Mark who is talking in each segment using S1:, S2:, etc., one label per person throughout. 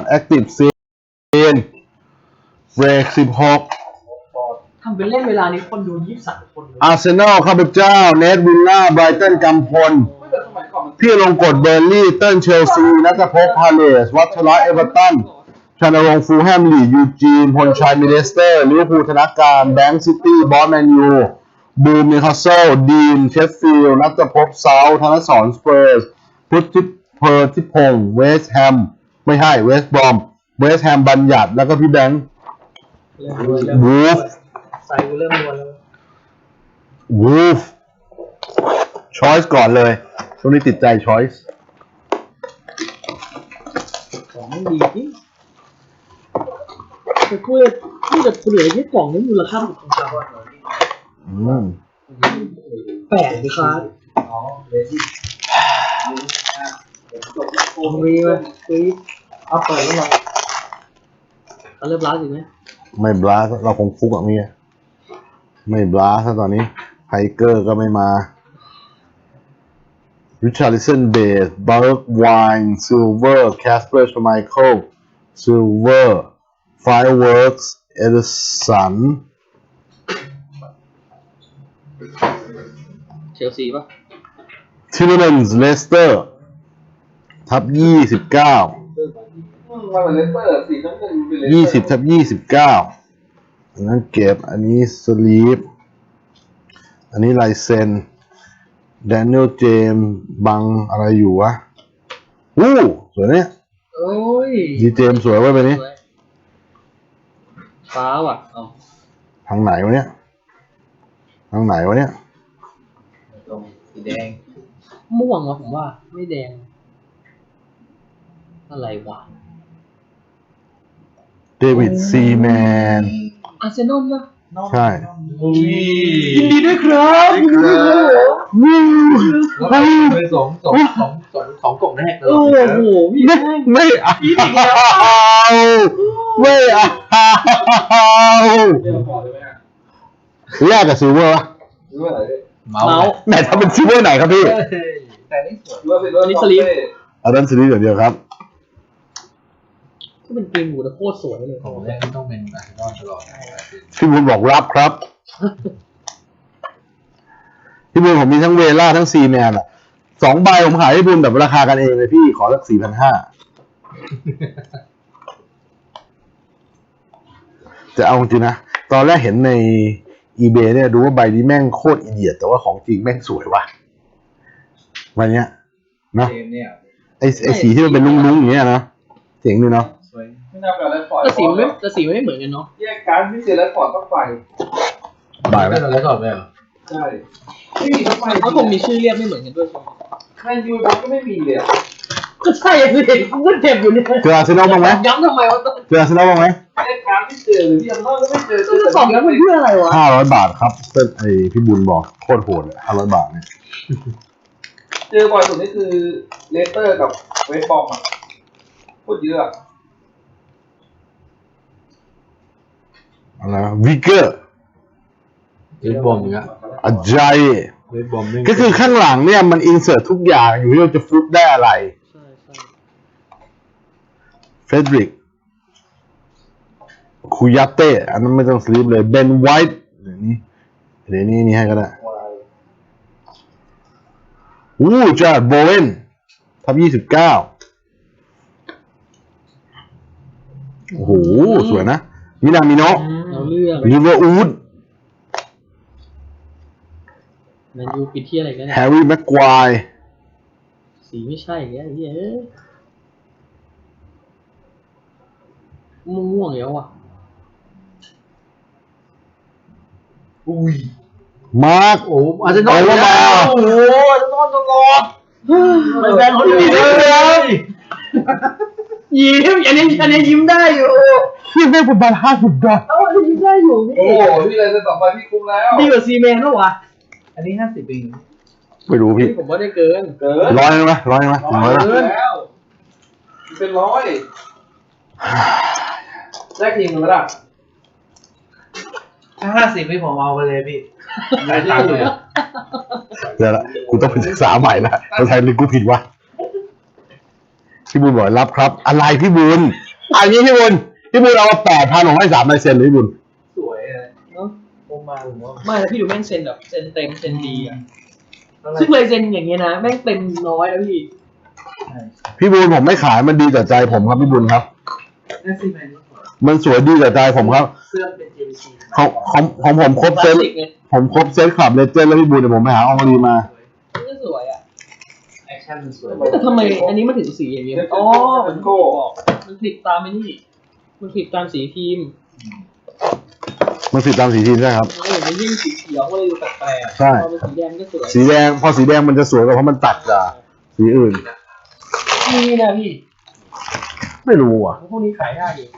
S1: Active Scene เบรก16
S2: ทำเป็นเล่นเวลานี้คนดู23 คนเลย
S1: อาร์เซนอลข้าพเจ้าเนทวิลล่าไบรตันกำพลพี่ลงกฎเบอร์ลี่เติ้ลเชลซีนัทภพพาเลสวัชระเอเวอร์ตันชนรงค์ฟูลแฮมลียูจีนพลชัยมิเลสเตอร์ลิเวอร์พูลธนการแบงค์ซิตี้บอสแมนยูบูมนิวคาสเซิลดีนเชฟฟิลด์นัทภพเซาท์ธนสรสเปอร์สพุทธิเพอร์ทิพงศ์เวสต์แฮมไม่ใช่เวสต์บรอมเวสต์แฮมบัญญัติแล้วก็พี่แบงค์วูฟ
S2: ใส่กูเริ่มนวลแล้ว
S1: วูฟช้อยส์ก่อนเลยช่วงนี้ติดใจช้อยส์
S2: ของไม่ดีจริงแต่กูจะเหลือแค่กล่องนี้มูลค่าของชาวบ้านแปลกดิครับรีไหมรีเอาเปิดแล้วหรอเขาเริ่มร้านอยู่ไหม
S1: ไม่บลาสเราคงฟุกอ่ะมี่ไม่บลาสตอนนี้ไฮเกอร์ก็ไม่มาริชาร์ลิสันเบสเบิร์กไวน์ซิลเวอร์แคสเปอร์ชไมเคิลซิลเวอร์ไฟเวิร์กส์เอเดสัน
S2: เชลซีป่ะ
S1: ทิลเลนส์เลสเตอร์ทับ29 20 ทับ 29อันนั้นเก็บอันนี้สลีปอันนี้ลายเซ็นแดเนียลเจมบังอะไรอยู่วะสวยเนี่ย
S2: โอ้ย
S1: ดีเจมสวยไว้ไปนี้
S2: ฟ้าว่ะ
S1: ทางไหนวะเนี่ยทางไหนวะเนี่ย
S2: สีแดงม่วงวะผมว่าไม่แดงอะไรวะ
S1: เดวิดซีแมน
S2: อาร์เซนอลป่ะ
S1: ใช่
S2: ยินดีด้วยครับ
S3: ไปสองกล่องแรกเลย
S2: โอ้โห
S1: ไม่เอาแรกกับซิลเวอร์วะ
S2: เมาส์
S1: ไหนทำเป็นซิลเวอร์ไหนครับพี่
S3: แต่นี่สวย
S2: อันนี้สลีป
S1: อันนั้นสลีปอย่างเดียวครับ
S2: ก็เป็นเกมหมูแต่โคตรสวยเลย
S3: ของแรกต้องเป็นอาร์เซนอลตลอด
S1: พี่บุญบอกรับครับพี่บุญผมมีทั้งเวล่าทั้งซีแมนอ่ะ2 ใบผมขายให้บุญแบบราคากันเองเลยพี่ขอสัก 4,500 จะเอาจริงนะตอนแรกเห็นใน eBay เนี่ยดูว่าใบนี้แม่งโคตรอีเดียดแต่ว่าของจริงแม่งสวยว่ะใบเนี้ยเนาะไอสีที่มันเป็นลุ้งๆอย่างเงี้ยนะเจ๋งดีเนาะ
S3: ไม่น่าเป็นอะไรปล่อย
S2: แต่สีไม่เหมือนกันเนาะ
S3: แยกการพิเศษแล้วปล่อยต้องไป
S1: บ่ายไหม
S3: แล้วก่อนไหมใช่ไม่มีทำไม
S2: เขาคงมีชื่อเรียกไม่เหมือนกันด้วยใช่ไหม
S3: แมนยูบ็อกก็ไม่มีเลย
S2: ก็ใช่สิเห็นกูเจ็บอยู่เนี่ย
S1: เจออาร์เซนอลบ้างไหม
S2: ย้ำทำไมวะ
S1: เจออาร์เซนอลบ้างไหม
S3: แยกการไม่เจอพี่ยังก็ไม่เจอ
S2: จะสอบย้ำมันเพื่ออะไรวะ
S1: 500 บาทครับไอพี่บุญบอกโคตรโหดเลย500 บาทเนี่ย
S3: เจอบ่อยสุดนี่คือเลสเตอร์กับเวสต์บอมอ่ะโคตรเยอะ
S1: อะไรวิกเกอร์
S3: เวสต์บอมเนี่ย
S1: อาจารย์
S3: เวสต์บอม
S1: ก็คือข้างหลังเนี่ยมันอินเสิร์ตทุกอย่างอยู่ที่เราจะฟลุกได้อะไรเฟเดริกคูยาเต้อันนั้นไม่ต้องสลีปเลยเบนไวท์เดี๋ยวนี้ให้ก็ได้จาร์ดโบเวนทับ29โอ้โหสวยนะมินามิโนะลิเวอร์พูล
S2: แมนยูปิดที่อะไรกัน
S1: แฮร์รี่แม็กควาย
S2: สีไม่ใช่แกเฮ้ยม่วงแล้วอ่ะ
S1: มาร์ค
S2: อาร์เซนอล
S1: มา
S2: โอ้โหอาร์เซนอลตลอดไม่แบนคนอื่นเลยยิ้มอันนี้ยิ้มได้อยู่
S1: พี่ได้ประมาณ50 บาท
S2: ยิ้มได้อยู่
S3: โอ้พี่เลยจะ2 ใบพี่คุ้มแล้ว
S2: ดีกว่าซีเมนต์นะวะ
S3: อันนี้50 ปี
S1: ไม่รู้พี่
S2: ผมว่าได้เกิน
S1: 100ไหม100ไหม
S3: แล้วเป็น100แรกทีมกันแล้วถ้า50พี่ผมเอาไปเลยพี่
S1: ไม่ได้เลยเดี๋ยวละกูต้องไปศึกษาใหม่ละภาษาอังกฤษกูผิดวะพี่บุญบอกรับครับอะไรพี่บุญอันนี้พี่บุญเอามา8,000ผมให้3 ลายเซ็นเลยพี่บุญ
S3: สวยเลย
S2: เนาะโอมาผมว่า
S4: ไม่แล้วพี่ดูแม่งเซ็นแบบเซ็นเต็มเซ็นดีอ่ะ
S2: อะไร
S4: ซึ่งเลยเซ็นอย่างเงี้ยนะแม่งเต็มน้อยแล้วพี่
S1: พี่บุญผมไม่ขายมันดีต่อใจผมครับพี่บุญครับ
S2: เอฟซีแมนก็สวย
S1: มันสวยดีต่อใจผมครับ
S2: เสื้อเป็น JVC
S1: ของผมครบ
S4: ค
S1: เซ
S4: ลา
S1: ต
S4: สสิกไง
S1: ผมครบเซตคลับเลเจนด์แล้วพี่บุญเดี๋ยวผมไปหาอองรีมา
S4: มันก็สวยอ่ะ
S2: แอคชั่นมันสวย
S4: แต่ทำไมอันนี้มันถึงสีอย่างเงี้ย อ๋อ
S3: มั
S4: มัน น
S3: โก้
S4: บอกมันผิดตามไอ้นี่ มันผิดตามสีทีม
S1: มันสิตามสีทีมใช่ครับ
S4: มันยิ่งสีเขียวก็เลยดูแปลกๆ
S1: ใช่
S4: พอเป็นสีแดงก็สวย
S1: สีแดงพอสีแดงมันจะสวยกว่าเพราะมันตัดกับสีอื่น
S4: นี่นะพี่
S1: ไม่รู้อ่ะ
S4: พวกนี้ขายได้ดิ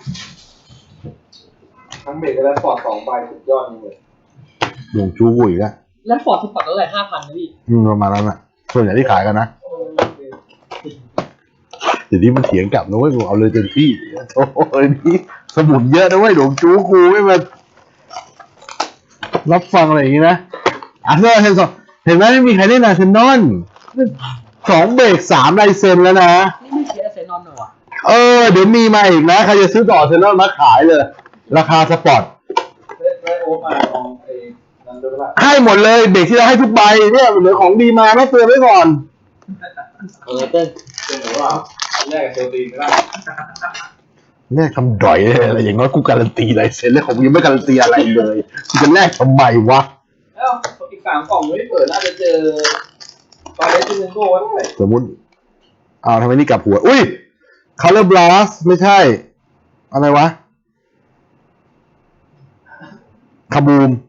S3: ทั้งเบรกและฟอร์ด2 ใบสุดยอดจริงเลย
S1: หลงจูกุยแล้ว
S4: แล้วฟอร์ดสปอร์ตเท่าไหร่5,000นะพี่
S1: ประมาณนั้นน่ะส่วนใหญ่ที่ขายกันนะเดี๋ยวนี้มันเถียงกลับนะเว้ยกูเอาเลยเต็มที่โอ้ยนี่สมุนเยอะนะเว้ยหลงจูกูไม่มารับฟังอะไรอย่างงี้นะอาร์เซนอลเห็นไหมไม่มีใครเล่นอาร์เซนอล2 เบรก3 ลายเซ็นแล้วนะ
S4: นี่ไม่เสียเซนอนหน่อยวะ
S1: เดี๋ยวมีมาอีกนะใครจะซื้อต่ออาร์เซนอลมาขายเลย ราคาสปอร์ต
S3: ได้โอ๊ตมาลองไอ้นั่นด้วยป่ะ
S1: ให้หมดเลยเบรกที่เราให้ทุกใบเนี่ยเหลือของดีมานะเตือนไว้ก่อน
S4: เต้น
S3: เป็นหรือว่าแรกกับเชลซีไม่ได้
S1: แลกทำดอยเลยอะไรอย่างน้อยกูการันตีลายเซ็นแล้วผมยังไม่การันตีอะไรเลยกูจะแลกทำไมวะ
S3: แล้วอีก3 กล่องไม่เปิดน่าจะเจอตอนเล่นซิงโก้ไว้ด้วย
S1: สมมุติทำไมนี่กลับหัวอุ้ย Color Blast ไม่ใช่ อะไรวะคาบูม